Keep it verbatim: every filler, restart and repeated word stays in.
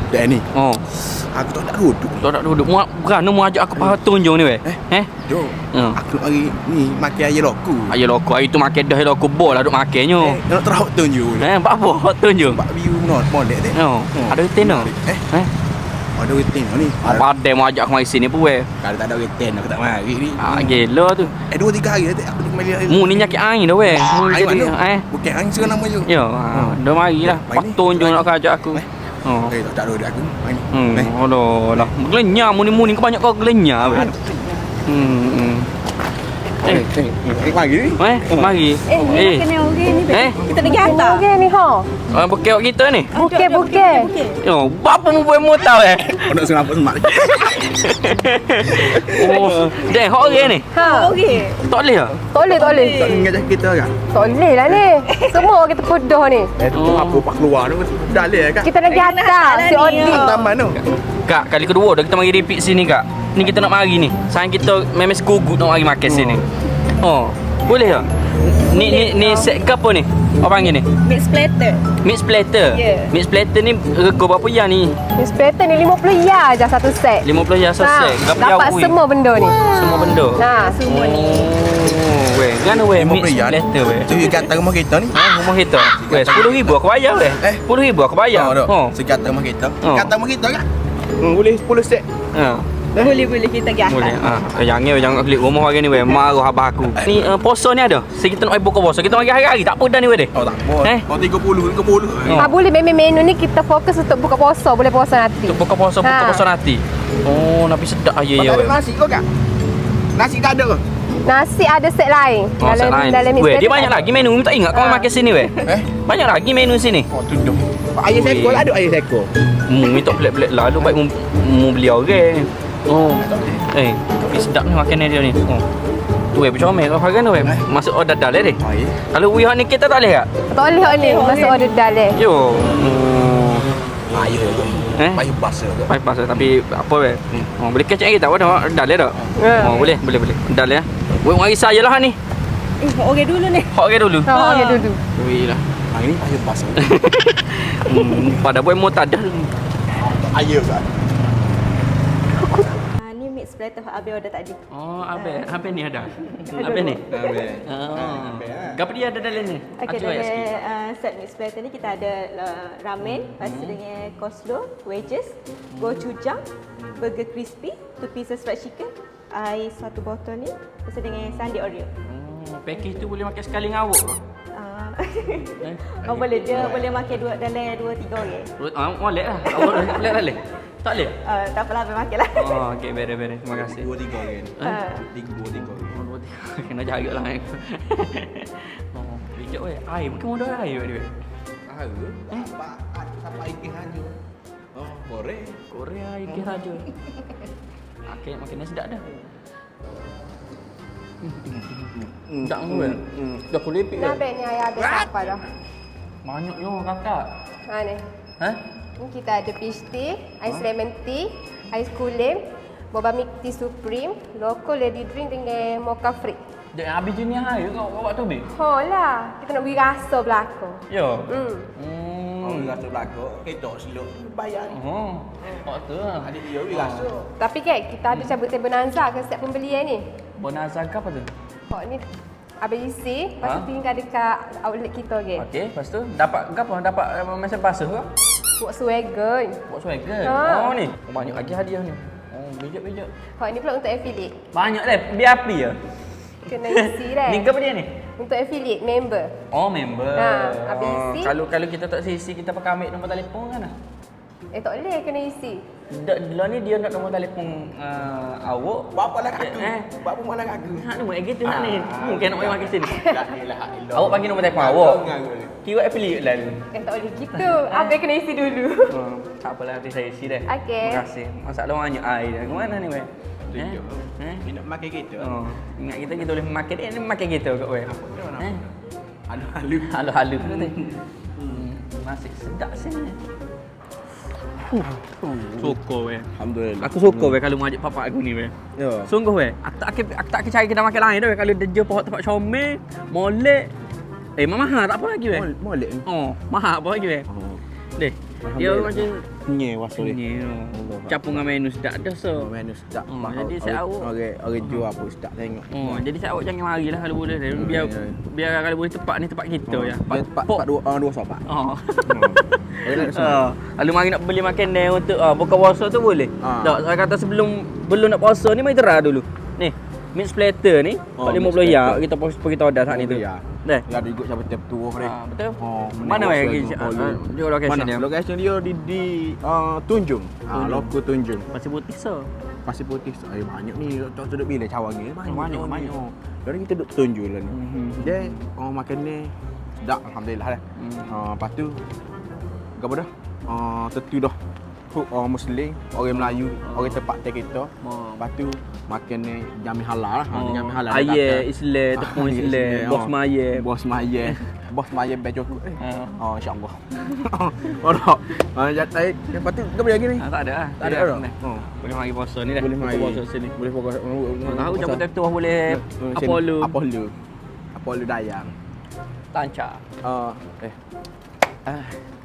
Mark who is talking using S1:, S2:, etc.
S1: dah ni.
S2: Oh.
S1: Aku tak nak duduk.
S2: Tak nak duduk. Mu berani mu ajak aku pasal tunjuk ni weh.
S1: Eh?
S2: Eh?
S1: Jom.
S2: Ha.
S1: Aku hari ni makan ayam loku.
S2: Ayah loko, hari tu makan dah loko bol lah duk makannya.
S1: Eh, nak terhok tunjuk.
S2: Eh, buat apa? Hot tunjuk.
S1: Bak view not molek dek.
S2: Oh, ada retain tak?
S1: Eh?
S2: Eh?
S1: Ada retain ni.
S2: Apa ada mau ajak aku mari sini pun weh.
S1: Kalau tak ada retain aku tak mari ni.
S2: Ah, gila tu.
S1: Eh dua tiga hari dah aku kembali.
S2: Mu ni nyakit angin dah weh. Mu
S1: Air
S2: jadi
S1: mana?
S2: eh.
S1: Bukan angin sekarang nama je.
S2: Ya, ah, dah marilah.
S1: Mari
S2: Pak
S1: ni.
S2: tunjuk nak kau ajak aku.
S1: Eh.
S2: Oh.
S1: Eh tak ada aku. Mari ni.
S2: Hmm,
S1: Eh.
S2: aduh lah. Gelenyar mu ni mu ni kau banyak kau gelenyar weh. Hmm. hmm.
S1: Eh, eh, eh, mari ni.
S2: Eh, mari.
S3: Eh, ni
S2: Eh.
S3: makan orang ni.
S2: Eh?
S3: Kita pergi hantar.
S4: Okey ni ha.
S2: Ah, bukit kita ni.
S4: Bukit bukit.
S2: Yo, bapa mu boleh mu tahu eh.
S1: Oh nak senang apa semak.
S2: Oh, dah hok orang ni.
S4: Ha.
S3: Okey.
S2: Tak boleh ah.
S4: Tak boleh tak boleh.
S1: Tak ingat kita kan.
S4: Tak boleh lah ni. Semua kita pedah ni.
S1: Eh tu
S2: Oh.
S1: apa pak keluar tu dah leh kan.
S4: Kita lagi
S3: Lagi nak
S4: hantar
S3: hantar
S4: si
S3: lah ni,
S4: Odi.
S3: ya.
S1: Taman tu.
S2: Kak, kali kedua dah kita mari repeat sini kak. Ni kita nak mari ni. Sayang kita memang sekugut nak mari makan sini. Oh, boleh tak? Ni ni ni set ke apa ni? Apa panggil ni?
S3: Mix platter.
S2: Mix platter.
S3: Ya.
S2: Mix platter ni rego berapa ya ni?
S4: Inspector ni lima puluh ya je satu set.
S2: lima puluh ya
S4: Ha,
S2: set. Berapa ya?
S4: dapat semua benda ni.
S2: semua benda.
S4: Nah,
S3: Semua ni.
S2: Oh, weh, gana weh
S1: lima
S2: mix
S1: puluh yen.
S2: platter weh.
S1: Tu kata rumah kita ni.
S2: Ha, rumah kita. Weh, sepuluh ribu aku bayar weh.
S1: Eh?
S2: sepuluh ribu aku bayar.
S1: Oh,
S2: Oh.
S1: sekata rumah kita.
S2: Oh.
S1: Kata rumah kita kan. Hmm, boleh sepuluh set.
S2: Ha.
S3: Boleh boleh kita pergi
S2: Boleh.
S3: hantar.
S2: Ah, jangan jangan klik rumah hari ni weh. Marah abah aku. Ni uh, puasa ni ada. So kita nak pergi buka puasa. Kita mari hari-hari tak apa dah ni weh deh.
S1: Oh tak apa.
S2: Eh?
S1: Oh tiga puluh, tiga puluh.
S2: Oh.
S4: ha boleh memang menu ni kita fokus untuk buka puasa, boleh puasa nanti.
S2: Untuk buka puasa, buka
S4: Ha.
S2: puasa nanti. Oh, tapi sedap aja
S1: Kau
S2: ya
S1: tak ada
S2: weh.
S1: nasi kau kan? Nasi tak ada ke?
S4: Nasi ada set lain.
S2: Oh, set lain.
S4: dalam
S2: Weh,
S4: inspector
S2: dia banyak lagi menu. Minta ingat kau
S4: Ha.
S2: makan sini weh.
S1: Eh?
S2: Banyak lagi menu sini.
S1: Oh tudung. Ayam seko ada ayam seko.
S2: Mu minta pelik-pelik lah. Lu baik mu, mu beli orang. Oh. Eh, tapi sedap ni makanan dia ni. Oh. Tu weh bercomel kau harga ni weh. Masuk order dah leh deh.
S1: Oh ya.
S2: Kalau wihak ni kita tak boleh tak?
S4: Tak boleh hak ni, masuk order dalam.
S2: Yo. Hmm.
S1: Ayam tu.
S2: Eh?
S1: Payah basah ke?
S2: Baik pasal tapi apa weh? Oh, boleh kecek lagi tak? Dah dah leh tak?
S4: Ya.
S2: Oh, boleh, boleh, boleh. Dah leh. Weh mari saya lah ni.
S3: Eh, okey dulu ni.
S2: Hok ke dulu.
S4: Ha, okey dulu.
S2: Weh lah.
S1: Hari ni payah basah.
S2: Hmm, pada boy mau tak dah.
S1: Ayam kan.
S3: Ah, ni mix platter hak Abi order tadi.
S2: Oh, apa? Apa ni ada? Apa ni? Oh. Apa dia ada dalam ni?
S3: Okey,
S2: Acuk ayat
S3: dalam
S2: sikit.
S3: uh, set mix platter ni kita ada uh, ramen, lepas tu dengan coleslaw, wedges, gochujang, burger crispy, two pieces fried chicken, air satu botol ni, lepas tu dengan sundae Oreo.
S2: Hmm, package tu boleh makan sekali dengan awak ke?
S3: Ah.
S2: Eh?
S3: Oh boleh, dia boleh makan dua dalam dua tiga orang.
S2: Ah, boleh lah. Awak boleh tak boleh? Tak boleh?
S3: Uh, tak apalah, boleh makan lah.
S2: Oh, okey, beres-beres. Terima kasih.
S1: Dua tiga orang.
S3: Ah.
S1: Tiga dua tiga orang.
S2: Oh, dua, tiga. Kena jaga lah. Oh, bijak weh. Air, mungkin mau ada air weh.
S1: Ah, eh? Apa apa ikan haju. Oh, goreng.
S2: Korea ikan saja. Okey, makan sedap dah. Tak mau weh. Dah kulepik
S4: Nah,
S2: weh.
S4: ben ni ayah habis apa dah.
S2: Banyak yo kakak.
S4: Ha ni.
S2: Ha?
S4: Ni kita ada peach tea, ais lemon tea, ais kulim, boba milk tea supreme, local lady drink dengan mocha free.
S2: Dah habis jenis air kau bawa tu be.
S4: Ho lah, kita nak beri rasa belakang.
S2: Yo.
S4: Hmm.
S1: Oh,
S2: Hmm.
S1: rasa belakang. Kedok silok bayar.
S2: Oh. Kau tu lah.
S1: Adik dia beri rasa.
S4: Tapi kan kita ada cabut bonanza ke setiap pembelian ni.
S2: Bonanza ke apa tu?
S4: Hok ni habis isi, lepas tu
S2: Ha?
S4: tinggal dekat outlet kita ke.
S2: Okey, lepas tu dapat ke apa? Dapat uh, mesin basuh ke?
S4: Buat swagger.
S2: Buat swagger.
S4: Ha.
S2: Oh ni. Oh, banyak lagi hadiah ni. Oh, bijak-bijak.
S4: Hok ni pula untuk affiliate.
S2: Banyak dah. Biar api ya.
S4: Kena isi dah.
S2: Ni ke apa dia ni?
S4: Untuk affiliate member.
S2: Oh, member.
S4: Ha, habis
S2: Oh,
S4: isi.
S2: Kalau kalau kita tak isi, kita pakai ambil nombor telefon kan lah.
S4: Eh tak boleh kena isi.
S2: Dah ni dia nak nombor telefon uh, awak.
S1: Buat apa lah kaku?
S2: Eh.
S1: Buat apa malah kaku?
S2: Hak ni buat gitu hak ni. Mungkin nak main makan sini.
S1: La ilaha illallah.
S2: Awak bagi nombor telefon awak. Kira affiliate lah ni.
S4: Eh tak boleh gitu. Habis kena isi dulu.
S2: Hmm, tak apalah nanti saya isi dah.
S4: Okey.
S2: Terima kasih. Masalah banyak air dah. Ke mana ni weh? Eh? Eh?
S1: Dia nak makan kita.
S2: Oh, ingat kita kita boleh makan dia ni makan kita kat weh. Eh?
S1: Halu-halu.
S2: Halu-halu tu. Hmm, masih sedap sini. Suka weh.
S1: Alhamdulillah.
S2: Aku suka weh kalau mengajak papa aku ni weh.
S1: Ya.
S2: Sungguh weh. Aku tak aku, aku tak cari kedai makan lain dah weh kalau dia jual pokok tempat comel, molek. Eh, mahal tak apa lagi weh.
S1: Molek ni.
S2: Oh, mahal apa lagi weh?
S1: Oh.
S2: Deh. Dia
S1: Alhamdulillah.
S2: macam
S1: kenyai puasa dia.
S2: Ni
S1: Allah.
S2: campur dengan menu sedap dah so.
S1: Oh, menu sedap.
S2: Hmm,
S1: Mak,
S2: jadi
S1: orang-
S2: saya awak-
S1: Orang orang jual apa sedap tengok.
S2: Oh, jadi saya awak jangan marilah kalau boleh.
S1: Hmm,
S2: Biar
S1: ya, ya.
S2: biar kalau boleh tempat ni tempat kita
S1: Oh,
S2: ya.
S1: dia tempat
S2: pok.
S1: tempat dua ah, dua sobat.
S2: Oh.
S1: Hmm. Orang nak semua.
S2: Ah, lalu mari nak beli makan ni untuk ah, buka puasa tu boleh.
S1: Ah.
S2: Tak, saya kata sebelum belum nak puasa ni mari terah dulu. Ni, mix platter ni
S1: Oh,
S2: empat lima
S1: mix
S2: puluh ya
S1: platter.
S2: kita pos kita order saat ni tu.
S1: Ya.
S2: Dah.
S1: Ya ada ikut siapa tiap tu dia.
S2: Ah, betul.
S1: Oh,
S2: Mana
S1: menengok
S2: lagi?
S1: lagi,
S2: Ah,
S1: follow.
S2: ah, dia location
S1: Mana?
S2: dia.
S1: Lokasi dia di di uh, Tunjung. Ah,
S2: Tunjung.
S1: loko Tunjung.
S2: Pasir putih so.
S1: Pasir Putih. Ay, banyak ni. Tak duduk bila cawang ni. Banyak
S2: Banyak,
S1: ni.
S2: banyak.
S1: Jadi kita duduk Tunjung lah ni.
S2: Mhm.
S1: Dia orang makan ni sedap alhamdulillah dah.
S2: Hmm.
S1: Ah, lepas tu apa dah? Ah, tentu dah. Hook orang Muslim, orang Melayu, orang tempat kita.
S2: Oh.
S1: Lepas tu makan ni jamin halal lah.
S2: Oh.
S1: Jamin halal.
S2: Ayah Islam, tepung
S1: Ah,
S2: Islam,
S1: Islam.
S2: bos
S1: Oh.
S2: maya.
S1: Bos maya. Bos maya bel cukup. Eh.
S2: Ah.
S1: Oh insya-Allah. Oh tak. Ah jatai. Lepas tu kau boleh lagi ni.
S2: Ah, tak ada lah.
S1: Tak ada
S2: Dah,
S1: dah.
S2: dah.
S1: Oh.
S2: Boleh mari puasa ni dah.
S1: Boleh
S2: Buka
S1: mari.
S2: puasa sini.
S1: Boleh fokus.
S2: Tahu cabut tu boleh Apollo.
S1: Apollo. Apollo Dayang.
S2: Tancap.
S1: Ah, eh. Ah,